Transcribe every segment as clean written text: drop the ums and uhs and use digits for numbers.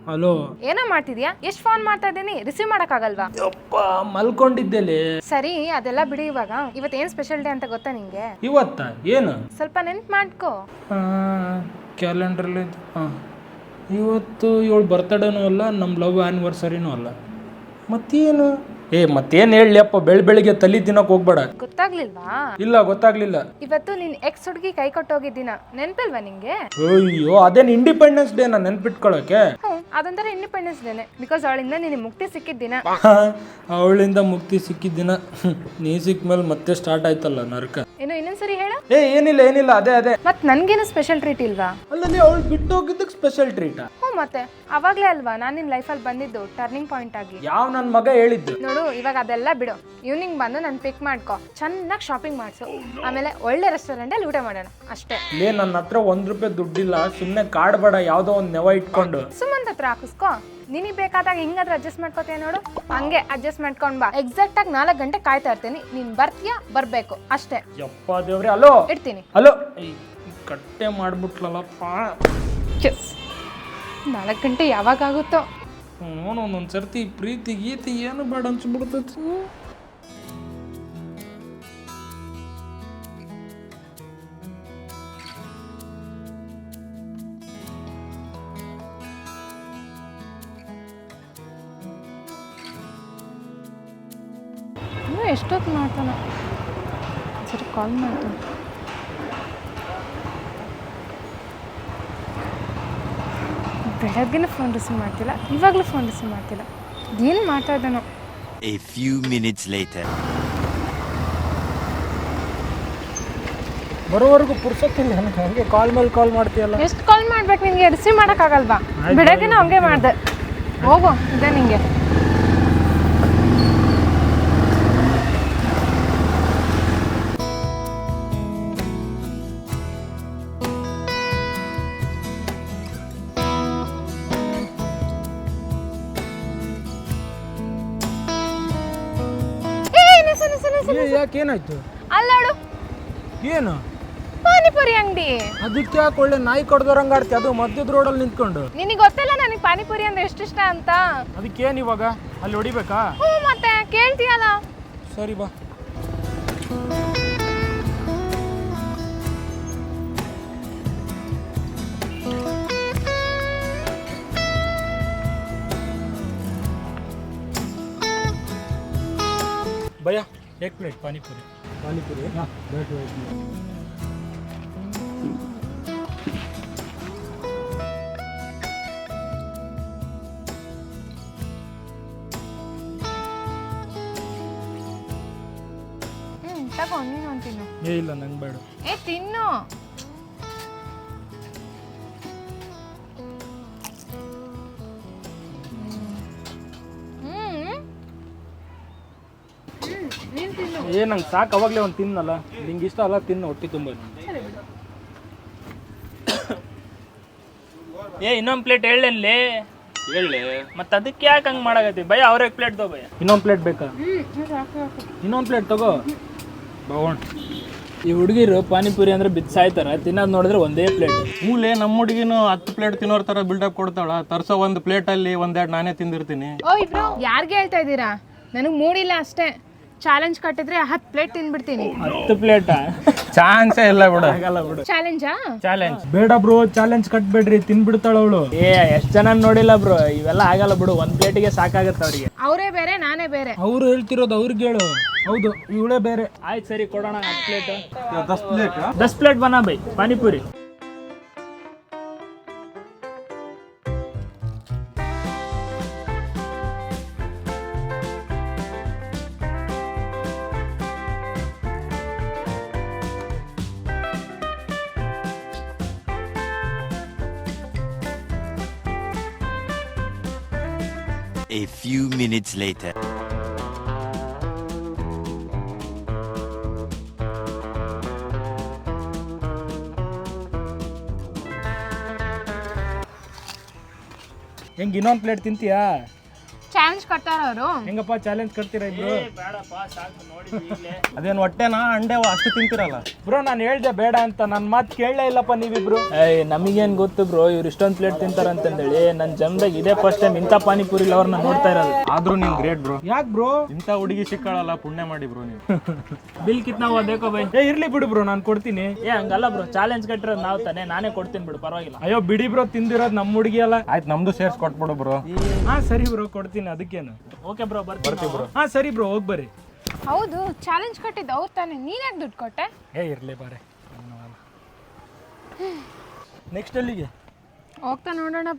Hello. ಏನೋ ಮಾಡ್ತಿದ್ಯಾ? ಎಷ್ಟು ಫೋನ್ ಮಾಡ್ತಾ ಇದ್ದೀನಿ, ರಿಸೀವ್ ಮಾಡೋಕ್ಕಾಗಲ್ವಾ? ಯಪ್ಪ ಮಲ್ಕೊಂಡಿದ್ದೇಲೆ. ಸರಿ ಅದೆಲ್ಲ ಬಿಡಿ. ಇವಾಗ ಇವತ್ತೇನು ಸ್ಪೆಷಲ್ ಡೇ ಅಂತ ಗೊತ್ತಾ ನಿಂಗೆ? ಇವತ್ತ ಏನು? ಸ್ವಲ್ಪ ನೆನ್ಪು ಮಾಡ್ಕೋ. ಕ್ಯಾಲೆಂಡ್ರಲ್ಲಿ ಇವತ್ತು ಇವಳು ಬರ್ತಡೇನೂ ಅಲ್ಲ, ನಮ್ಮ ಲವ್ ಆ್ಯನಿವರ್ಸರಿನೂ ಅಲ್ಲ. ಮತ್ತೇನು? ಮತ್ತೇನು ಹೇಳಪ್ಪ, ಬೆಳಿಗ್ಗೆ ತಲೆ ತಿನ್ನೋಕೆ ಹೋಗ್ಬೇಡ. ಗೊತ್ತಾಗ್ಲಿಲ್ವಾ? ಇಲ್ಲ ಗೊತ್ತಾಗ್ಲಿಲ್ಲ. ಇವತ್ತು ನಿನ್ ಎಕ್ಸ್ ಹುಡುಗಿ ಕೈ ಕೊಟ್ಟೋಗಿದ್ದೀನ, ನೆನ್ಪಿಲ್ವಾ ನಿಂಗೆ? ಅಯ್ಯೋ ಅದೇನು ಇಂಡಿಪೆಂಡೆನ್ಸ್ ಡೇನ ನೆನ್ಪಿಟ್ಕೊಳ್ಳೋಕೆ? ಅದೊಂಥರ ಇಂಡಿಪೆಂಡೆನ್ಸ್ ಡೇನೆ, ಬಿಕಾಸ್ ಅವಳಿಂದ ನಿನಗೆ ಮುಕ್ತಿ ಸಿಕ್ಕಿದ್ದಿನ. ಅವಳಿಂದ ಮುಕ್ತಿ ಸಿಕ್ಕಿದ್ದಿನ. ನೀ ಸಿಕ್ಕ ಮೇಲೆ ಮತ್ತೆ ಸ್ಟಾರ್ಟ್ ಆಯ್ತಲ್ಲ ನರ್ಕ. ಇನ್ನೊಂದ್ಸರಿ ಹೇಳ. ಏನಿಲ್ಲ ಅದೇ. ಮತ್ ನನ್ಗೇನು ಸ್ಪೆಷಲ್ ಟ್ರೀಟ್ ಇಲ್ವಾ? ಅಲ್ಲಲ್ಲಿ ಅವಳು ಬಿಟ್ಟು ಹೋಗಿದ್ದಕ್ಕೆ ಸ್ಪೆಷಲ್ ಟ್ರೀಟಾ? ಮತ್ತೆ ಅವಾಗ್ಲೇ ಅಲ್ವಾ ನಾನು ನಿನ್ ಲೈಫಲ್ಲಿ ಬಂದಿದ್ದು ಟರ್ನಿಂಗ್ ಪಾಯಿಂಟ್ ಆಗಿ. ಯಾವ ನನ್ನ ಮಗ ಹೇಳಿದ್ದು? ನೋಡು ಇವಾಗ ಅದೆಲ್ಲ ಬಿಡು. ಈವ್ನಿಂಗ್ ಬಂದು ನಾನು ಪಿಕ್ ಮಾಡ್ಕೊ, ಚೆನ್ನಾಗಿ ಶಾಪಿಂಗ್ ಮಾಡಿಸು, ಆಮೇಲೆ ಒಳ್ಳೆ ರೆಸ್ಟೋರೆಂಟಲ್ಲಿ ಊಟ ಮಾಡೋಣ ಅಷ್ಟೇ. ನನ್ನ ಹತ್ರ ₹1 ದುಡ್ಡಿಲ್ಲ, ಸುಮ್ಮನೆ ಕಾಡ್ಬೇಡ, ಯಾವುದೋ ಒಂದು ನೆವ ಇಟ್ಕೊಂಡು. ಸುಮ್ಮನೆ ಹತ್ರ ಹಾಕಿಸ್ಕೊ, ನಿನಗೆ ಬೇಕಾದಾಗ ಹಿಂಗಾದ್ರೆ ಅಡ್ಜಸ್ಟ್ ಮಾಡ್ಕೋತೀಯ ನೋಡು, ಹಂಗೆ ಅಡ್ಜಸ್ಟ್ ಮಾಡ್ಕೊಂಡ್ ಬಾ. ಎಕ್ಸಾಕ್ಟ್ ಆಗಿ 4 ಗಂಟೆ ಕಾಯ್ತಾ ಇರ್ತೀನಿ, ನೀನ್ ಬರ್ತೀಯಾ ಬರ್ಬೇಕು ಅಷ್ಟೇ. ಯಪ್ಪ ದೇವ್ರೆ, ಹಲೋ ಇಡ್ತೀನಿ. ಹಲೋ. ಕಟ್ಟೆ ಮಾಡ್ಬಿಟ್ಲಲ್ಲಪ್ಪ. 4 ಗಂಟೆ ಯಾವಾಗ ಆಗುತ್ತೋ. ಒಂದೊಂದು ಸರ್ತಿ ಪ್ರೀತಿ ಗೀತಿ ಏನು ಬೇಡ ಅನ್ಸ್ಬಿಡ್ತೈತಿ. ಎಷ್ಟೊತ್ತು ಮಾಡ್ತಾನ, ಸರಿ ಕಾಲ್ ಮಾಡ್ತಾನೆ. ಬೆಳಗ್ಗೆನೂ ಫೋನ್ ರಿಸೀವ್ ಮಾಡ್ತಿಲ್ಲ, ಇವಾಗಲೂ ಫೋನ್ ರಿಸೀವ್ ಮಾಡ್ತಿಲ್ಲ. ಏನು ಮಾಡ್ತಾ ಇದ್ದಾನೋ? A few minutes later. ಬರೋವರೆಗೂ ಪುರ್ಸೊತ್ತಿಲ್ಲ ನನಗೆ, ಹಂಗೆ ಕಾಲ್ ಮೇಲೆ ಕಾಲ್ ಮಾಡ್ತೀಯಲ್ಲ. ಎಷ್ಟು ಕಾಲ್ ಮಾಡ್ಬೇಕು ನಿನಗೆ? ರಿಸೀವ್ ಮಾಡೋಕ್ಕಾಗಲ್ವಾ? ಬೆಳಗ್ಗೆನೂ ಹಂಗೆ ಮಾಡಿದೆ. ಹೋಗು, ಇದೆ ನಿಂಗೆ. ಯಾಕೇನಾಯ್ತು? ಅಲ್ಲೋಡು, ಏನು? ಪಾನಿಪುರಿ ಅಂಗಡಿ. ಅದಕ್ಕೆ ಯಾಕೆ ಒಳ್ಳೆ ನಾಯಿ ಕಡ್ದೋರಂಗ ಆಡ್ತಿ, ಅದು ಮಧ್ಯದ ರೋಡಲ್ಲಿ ನಿಂತ್ಕೊಂಡು? ನಿನಗೆ ಗೊತ್ತಲ್ಲ ನನಗೆ ಪಾನಿಪುರಿ ಅಂದ್ರೆ ಎಷ್ಟು ಇಷ್ಟ ಅಂತ. ಅದಕ್ಕೇನು ಇವಾಗ ಅಲ್ಲಿ ಹೊಡಿಬೇಕಾ? ಮತ್ತೆ ಕೇಳ್ತೀಯಲ್ಲ. ಸರಿ ಬಾ. भैया 1 प्लेट पानीपुरी. हाँ बैठो. ತಗೋ, ನೀನು ತಿನ್ನು. ಇಲ್ಲ ನಂಗೆ ಬೇಡ. ತಿನ್ನು. ನಂಗೆ ಸಾಕು, ಅವಾಗಲೇ ಒಂದು ತಿನ್ನಲ್ಲ. ನಿಂಗೆ ಇಷ್ಟ ಅಲ್ಲ, ತಿನ್ನು, ಹೊಟ್ಟೆ ತುಂಬ. ಇನ್ನೊಂದು ಪ್ಲೇಟ್ ಹೇಳಲೇ ಮತ್ತೆ ಅದಕ್ಕೆ ಯಾಕೆ ಹಂಗೆ ಮಾಡಾಕತ್ತಿ? ಭಯ ಅವ್ರಿಗೆ ಪ್ಲೇಟ್ ತಗೋ. ಭಯ ಇನ್ನೊಂದು ಪ್ಲೇಟ್ ಬೇಕಾ? ಇನ್ನೊಂದು ಪ್ಲೇಟ್ ತಗೋ. ಬಾವಣ್, ಈ ಹುಡುಗಿರು ಪಾನಿಪುರಿ ಅಂದ್ರೆ ಬಿಸಾಯ್ತಾರ, ತಿನ್ನೋದು ನೋಡಿದ್ರೆ ಒಂದೇ ಪ್ಲೇಟ್. ಮೂಲೆ ನಮ್ಮ ಹುಡುಗಿನು 10 ಪ್ಲೇಟ್ ತಿನ್ನೋರ್ ತರ ಬಿಲ್ಡಪ್ ಕೊಡ್ತಾಳ. ತರ್ಸೋ ಒಂದು ಪ್ಲೇಟಲ್ಲಿ 1-2 ನಾನೇ ತಿಂದಿರ್ತೀನಿ. ಓ ಇಬ್ರು ಯಾರಿಗೆ ಹೇಳ್ತಾ ಇದ್ದೀರಾ? ನನಗೆ ಮೂಡಿಲ್ಲ ಅಷ್ಟೇ. ಚಾಲೆಂಜ್ ಕಟ್ಟಿದ್ರೆ 10 ಪ್ಲೇಟ್ ತಿನ್ಬಿಡ್ತೀನಿ. 10 ಪ್ಲೇಟಾ? ಚಾನ್ಸೇ ಇಲ್ಲ ಬಿಡು. ಆಗಲ್ಲ ಬಿಡು. ಚಾಲೆಂಜಾ? ಚಾಲೆಂಜ್ ಬೇಡ ಬ್ರೋ, ಚಾಲೆಂಜ್ ಕಟ್ಬೇಡ್ರಿ, ತಿನ್ಬಿಡ್ತಾಳ ಅವಳು. ಎಷ್ಟು ಜನ ನೋಡಿಲ್ಲ ಬ್ರೋ, ಇವೆಲ್ಲ ಆಗಲ್ಲ ಬಿಡು. 1 ಪ್ಲೇಟಿಗೆ ಸಾಕಾಗತ್ತೆ ಅವ್ರಿಗೆ. ಅವರೇ ಬೇರೆ ನಾನೇ ಬೇರೆ. ಅವ್ರು ಹೇಳ್ತಿರೋದು ಅವ್ರಿಗೆ ಹೇಳು. ಹೌದು, ಇವಳೇ ಬೇರೆ. ಆಯ್ತು ಸರಿ, ಕೊಡೋಣ 10 ಪ್ಲೇಟ್. 10 ಪ್ಲೇಟ್ 10 ಪ್ಲೇಟ್ ಬನಾ ಬೈ panipuri. A few minutes later. ಹೆಂಗೆ ಇನ್ನೊಂದು ಪ್ಲೇಟ್ ತಿಂತೀಯಾ? ಚಾಲೆಂಜ್ ಕಟ್ಟಾರವರು. ಹೆಂಗಪ್ಪ ಚಾಲೆಂಜ್ ಕಟ್ತೀರಾ ಇಬ್ರು? ಬೇಡಪ್ಪ ಸಾಕು ನೋಡಿದ್ವಿ ಅದೇನು ಹೊಟ್ಟೆನಾ ಅಂಡೆ ಅಷ್ಟು ತಿಂತಿರಲ್ಲ? ಬ್ರೋ ನಾನು ಹೇಳ್ದೆ ಬೇಡ ಅಂತ, ನನ್ನ ಮಾತು ಕೇಳಲೇ ಇಲ್ಲಪ್ಪ ನೀವಿಬ್ರು. ಏಯ್ ನಮಗೇನ್ ಗೊತ್ತು ಬ್ರೋ ಇವ್ರು ಇಷ್ಟೊಂದು ಪ್ಲೇಟ್ ತಿಂತಾರಂತಂದೇಳಿ. ನನ್ನ ಜನ್ದಾಗ ಇದೇ ಫಸ್ಟ್ ಟೈಮ್ ಇಂಥ ಪಾನಿಪುರಿ ಅವ್ರನ್ನ ನೋಡ್ತಾ ಇರೋದು. ಆದ್ರೂ ನೀನ್ ಗ್ರೇಟ್ ಬ್ರೋ. ಯಾಕೆ ಬ್ರೋ? ಇಂಥ ಹುಡುಗಿ ಸಿಕ್ಕಳಲ್ಲ, ಪುಣ್ಯ ಮಾಡಿ ಬ್ರೋ ನೀವು. ಬಿಲ್ ಕಿತ್ನಾ ಹುआ देखो भाई. ಏ ಇರ್ಲಿ ಬಿಡು ಬ್ರೋ, ನಾನು ಕೊಡ್ತೀನಿ. ಏ ಹಂಗಲ್ಲ ಬ್ರೋ, ಚಾಲೆಂಜ್ ಕಟ್ಟಿರೋದು ನಾವು ತಾನೇ, ನಾನೇ ಕೊಡ್ತೀನಿ ಬಿಡು, ಪರವಾಗಿಲ್ಲ. ಅಯ್ಯೋ ಬಿಡಿ ಬ್ರೋ, ತಿಂದಿರೋದು ನಮ್ಮ ಹುಡುಗಿ ಅಲ್ಲ. ಆಯ್ತು ನಮ್ದು ಸೇರ್ಸ್ ಕೊಟ್ಬಿಡು ಬ್ರೋ. ಹಾ ಸರಿ ಬ್ರೋ, ಕೊಡ್ತೀನಿ, ಅದಕ್ಕೇನು. ಓಕೆ ಬ್ರೋ, ಬರ್ತೀವಿ ಬ್ರೋ. ಹಾ ಸರಿ ಬ್ರೋ, ಹೋಗಿ ಬರ್ರಿ. ಹೌದು, ಚಾಲೆಂಜ್ ಕಟ್ಟಿದ್ದು ಅವ್ರು ತಾನೇ, ನೀನ್ಯಾಕೆ ದುಡ್ಡು ಕೊಟ್ಟೆ? ಏ ಇರ್ಲಿ ಬಾರೆ. ನೆಕ್ಸ್ಟ್ ಅಲ್ಲಿಗೆ ಹೋಗ್ತಾ ನೋಡೋಣಪ್ಪ.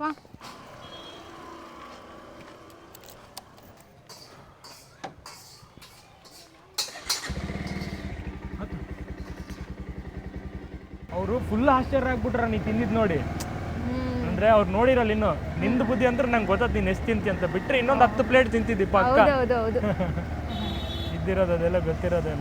ಅವರು ಫುಲ್ ಆಶ್ಚರ್ಯ ಆಗ್ಬಿಟ್ರ ನೀ ತಿಂದಿದ್ ನೋಡಿ. ಅಂದ್ರೆ ಅವ್ರು ನೋಡಿರಲ್ಲ ಇನ್ನು. ನಿಂದು ಬುದ್ಧಿ ಅಂದ್ರೆ ನಂಗೆ ಗೊತ್ತದ ನೀನ್ ಎಷ್ಟು ತಿಂತಿ ಅಂತ. ಬಿಟ್ರೆ ಇನ್ನೊಂದು 10 ಪ್ಲೇಟ್ ತಿಂತಿದ್ದಿ ಪಕ್ಕ. ಹೌದು ಇದ್ದಿರೋದೆಲ್ಲ ಗೊತ್ತಿರೋದೆಲ್ಲ.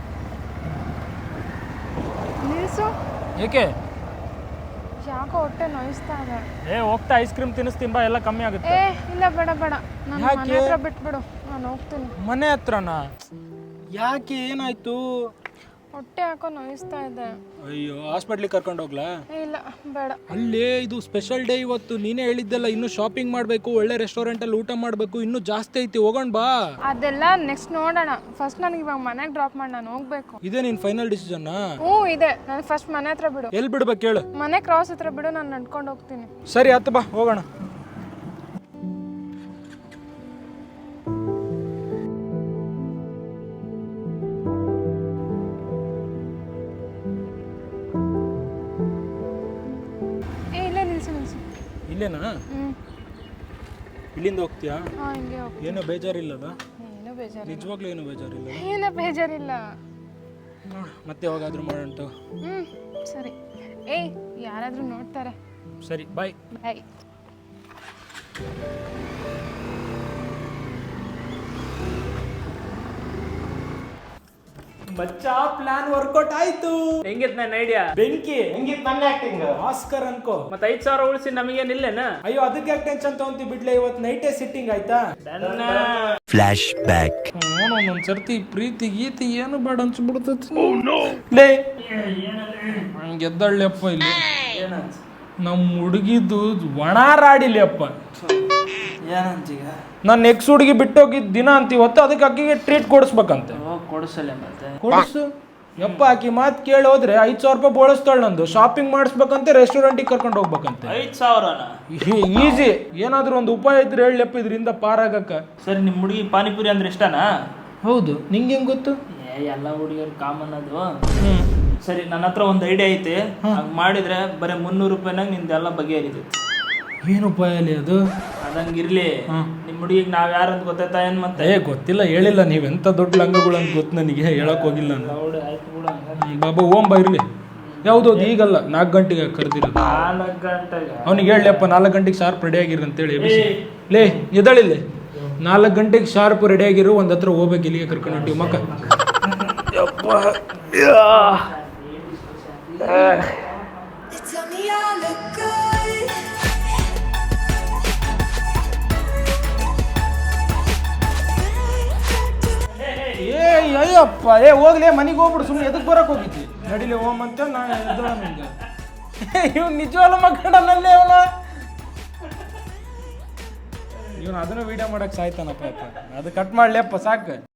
ನಿಲ್ಸು. ಏಕೆ? ಯಾಕೋ ಹೊಟ್ಟೆ ನೋಯಿಸ್ತಾ ಇದೆ. ಏ ಹೋಗ್ತಾ ಐಸ್ ಕ್ರೀಮ್ ತಿನ್ನಿಸ್ತೀನಿ ಬಾ, ಎಲ್ಲ ಕಮ್ಮಿ ಆಗುತ್ತೆ. ಏ ಇಲ್ಲ ಬೇಡ ನನ್ನ ಮನೆ ಹತ್ರ ಬಿಟ್ಬಿಡು, ನಾನು ಹೋಗ್ತೀನಿ. ಮನೆ ಹತ್ರನಾ? ಯಾಕೆ, ಏನಾಯ್ತು? ಹೊಟ್ಟೆ ಯಾಕೋ ನೋಯಿಸ್ತಾ ಇದೆ. ಅಯ್ಯೋ ಹಾಸ್ಪಿಟ್ಲಿಗೆ ಕರ್ಕೊಂಡು ಹೋಗ್ಲಾ? ಇಲ್ಲ ಬೇಡ. ಅಲ್ಲೇ ಇದು ಸ್ಪೆಷಲ್ ಡೇ ಇವತ್ತು. ನೀನೇ ಹೇಳಿದ್ದಲ್ಲ ಇನ್ನು ಶಾಪಿಂಗ್ ಮಾಡಬೇಕು, ಒಳ್ಳೆ ರೆಸ್ಟೋರೆಂಟ್ ಅಲ್ಲಿ ಊಟ ಮಾಡಬೇಕು, ಇನ್ನು ಜಾಸ್ತಿ ಐತಿ, ಹೋಗೋಣ ಬಾ. ಅದೆಲ್ಲ ನೆಕ್ಸ್ಟ್ ನೋಡೋಣ. ಫಸ್ಟ್ ನನಗೆ ಇವಾಗ ಮನೆಗೆ ಡ್ರಾಪ್ ಮಾಡಿ ನಾನು ಹೋಗ್ಬೇಕು. ಇದೇ ನಿನ್ ಫೈನಲ್ ಡಿಸಿಷನ್? ಹ್ಞೂ ಇದೆ. ನಾನು ಫಸ್ಟ್ ಮನೆ ಹತ್ರ ಬಿಡು. ಎಲ್ಲಿ ಬಿಡ್ಬೇಕು ಹೇಳು? ಮನೆ ಕ್ರಾಸ್ ಹತ್ರ ಬಿಡು, ನಾನು ನಡ್ಕೊಂಡು ಹೋಗ್ತೀನಿ. ಸರಿ ಆಯ್ತು ಬಾ, ಹೋಗೋಣ. ಇಲ್ಲೇನಾ? ಇಲ್ಲಿಂದ ಹೋಗ್ತೀಯಾ? ಹಿಂಗೆ ಹೋಗ್ತೀನಿ. ಏನೋ ಬೇಜಾರಿಲ್ಲದ? ಏನೂ ಬೇಜಾರು, ನಿಜವಾಗ್ಲೂ ಏನೂ ಬೇಜಾರಿಲ್ಲ? ಏನೂ ಬೇಜಾರಿಲ್ಲ. ಮತ್ತೆ ಯಾವಾಗಾದ್ರೂ ಮಾಡೋಣ. ಸರಿ. ಏಯ್ ಯಾರಾದರೂ ನೋಡ್ತಾರೆ. ಸರಿ ಬಾಯ್. ಬಾಯ್. ಬಚ್ಚಾ ಪ್ಲಾನ್ ವರ್ಕೌಟ್ ಆಯ್ತು. ಹೆಂಗಿತ್ ನನ್ನ ಐಡಿಯಾ? ಬೆಂಕಿ. ಹೆಂಗಿತ್ತು ನನ್ನ ಆಕ್ಟಿಂಗ್? ಆಸ್ಕರ್ ಅನ್ಕೋ. ಮತ್ತೆ 5,000 ಉಳಿಸಿ ನಮಗೇನಿಲ್ಲೇನ? ಅಯ್ಯೋ ಅದಕ್ಕೆ ಯಾಕೆ ಟೆನ್ಷನ್ ತಗೊಂತಿ ಬಿಡ್ಲೆ, ಇವತ್ತು ನೈಟೇ ಸಿಟ್ಟಿಂಗ್ ಆಯ್ತಾ? Flashback. ಒಂದೊಂದ್ ಸರ್ತಿ ಪ್ರೀತಿ ಗೀತಿ ಏನು ಬೇಡ ಅನ್ಸ್ಬಿಡ್ತೈತಿ. ಲೇ ಗೆದ್ದಳ್ಳಿಯಪ್ಪ ಇಲ್ಲಿ. ನಮ್ಮ ಹುಡುಗಿದ್ದು ಒಣ ರಾಡಿಲಿ ಅಪ್ಪ. ನಾನು ನೆಕ್ಸ್ಟ್ ಹುಡುಗಿ ಬಿಟ್ಟೋಗಿದ್ದ ದಿನ ಅಂತ ಇವತ್ತು, ಅದಕ್ಕೆ ಅಕ್ಕಿಗೆ ಟ್ರೀಟ್ ಕೊಡಿಸ್ಬೇಕಂತೆ. ಕೊಡಿಸಲ್ಲ ಮತ್ತೆ ಕೊಡಿಸು ಯಪ್ಪ. ಆಕಿ ಮಾತು ಕೇಳಿ ಹೋದ್ರೆ 5,000 ರೂಪಾಯಿ ಬೋಳಿಸ್ತಾಳೆ. ನಂದು ಶಾಪಿಂಗ್ ಮಾಡಿಸ್ಬೇಕಂತೆ, ರೆಸ್ಟೋರೆಂಟಿಗೆ ಕರ್ಕೊಂಡು ಹೋಗ್ಬೇಕಂತೆ. 5,000ನ? ಈಸಿ. ಏನಾದ್ರೂ ಒಂದು ಉಪಾಯ ಇದ್ರೆ ಹೇಳಪ್ಪ ಇದರಿಂದ ಪಾರಾಗಕ್ಕ. ಸರಿ, ನಿಮ್ಮ ಹುಡುಗಿ ಪಾನಿಪುರಿ ಅಂದ್ರೆ ಇಷ್ಟನಾ? ಹೌದು. ನಿಂಗೆ ಹೆಂಗ್ ಗೊತ್ತು? ಎಲ್ಲ ಹುಡುಗಿಯರು ಕಾಮನ್ ಅದು. ಸರಿ, ನನ್ನ ಹತ್ರ ಒಂದು ಐಡಿಯಾ ಐತಿ. ಹಂಗೆ ಮಾಡಿದ್ರೆ ಬರೀ 300 ರೂಪಾಯಿನಾಗ ನಿಂದೆಲ್ಲ ಬಗೆಹರಿತೈತಿ. ಏನು ಉಪಾಯ ಅಲ್ಲಿ ಅದು? ಅದಂಗಿರ್ಲಿ. ನಿಮ್ಮ ಹುಡುಗಿಗೆ ನಾವ್ ಯಾರು ಅಂತ ಗೊತ್ತಾಯ್ತಾ ಏನ್ ಮತ್ತೆ? ಗೊತ್ತಿಲ್ಲ, ಹೇಳಿಲ್ಲ. ನೀವೆಂತ ದೊಡ್ಡ ಲಂಗಗಳು ಅಂತ ಗೊತ್ತು ನನಗೆ, ಹೇಳಕ್ ಹೋಗಿಲ್ಲ ನಾನು. ಬಾಬಾ ಓಂ ಬಾ ಇರ್ಲಿ. ಯಾವ್ದೌದು ಈಗಲ್ಲ, 4 ಗಂಟೆಗೆ ಕರೆದಿರೋದು. 4 ಗಂಟೆಗೆ ಅವ್ನಿಗೆ ಹೇಳಪ್ಪ 4 ಗಂಟೆಗೆ ಶಾರ್ಪ್ ರೆಡಿ ಆಗಿರು ಅಂತೇಳಿ. ಲೇ ಎದಳಿಲ್ಲ, 4 ಗಂಟೆಗೆ ಶಾರ್ಪ್ ರೆಡಿ ಆಗಿರು. ಒಂದ್ ಹತ್ರ ಹೋಗ್ಬೇಕು, ಇಲ್ಲಿಗೆ ಕರ್ಕೊಂಡು ಹೊಂಟಿವಿ ಮಕ್ಕ. ಅಯ್ಯಪ್ಪ, ಹೋಗ್ಲಿ ಮನೆಗೆ ಹೋಗ್ಬಿಡು, ಸುಮ್ಮನೆ ಎದಕ್ಕೆ ಬರಕ್ ಹೋಗಿದ್ದಿ? ನಡಿಲಿ ಓಮ್ ಅಂತ ನಾನು ಎದ್ದೋಳ ನಿಂಗೆ. ಇವ್ನು ನಿಜವಾಗ್ಲೂ ಮಕ್ಕಳಲ್ಲೇ ಇವನು ಅದನ್ನು ವಿಡಿಯೋ ಮಾಡಕ್ ಸಾಯ್ತಾನಪ್ಪ. ಅದು ಕಟ್ ಮಾಡ್ಲಿಯಪ್ಪ ಸಾಕು.